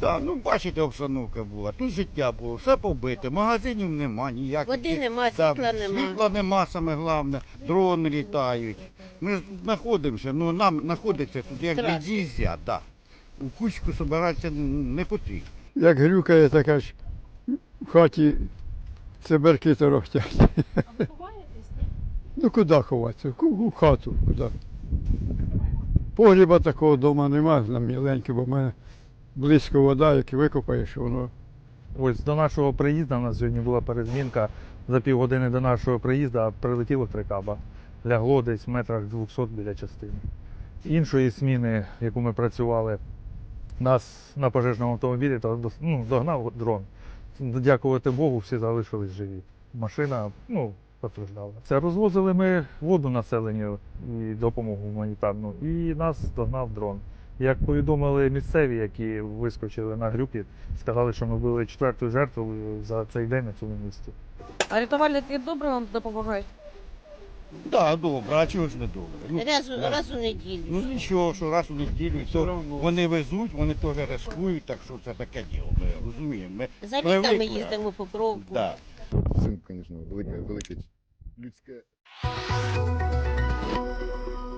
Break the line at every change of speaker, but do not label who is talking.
Да, ну бачите, обстановка була, тут життя було, все побите, магазинів нема, ніяких.
Води нема,
Да,
світла нема.
світла нема, саме головне, дрони літають. Ми ж знаходимося, ну нам знаходиться тут як
Страшно.
від'їздя, да. У кучку збиратися не потрібно.
Як грюкає, така ж в хаті циберки торохтять.
А ви ховаєтесь?
Ну куди ховатися? У хату, куди. Погріба такого вдома немає, на міленький, бо в мене близько вода, як викопаєш, воно.
Ось до нашого приїзду, у нас сьогодні була перезмінка, за півгодини до нашого приїзду прилетіло 3 каба. Лягло десь в метрах 200 біля частини. Іншої зміни, яку ми працювали, нас на пожежному автомобілі догнав дрон. Дякувати Богу, всі залишились живі. Машина постраждала. Це розвозили ми воду населенню і допомогу гуманітарну, і нас догнав дрон. Як повідомили місцеві, які вискочили на грюки, сказали, що ми були 4-ю жертвою за цей день на цьому місці.
А рятувальники добре вам допомагають?
Так, да, добре, а чого ж не добре? Ну,
Раз у неділю.
ну нічого, що раз у неділю, то вони везуть, вони теж рискують, так що це таке діло, ми розуміємо. Ми
За літами
привикли.
їздимо по кровку.
Да.
Цим, звісно, велике людське.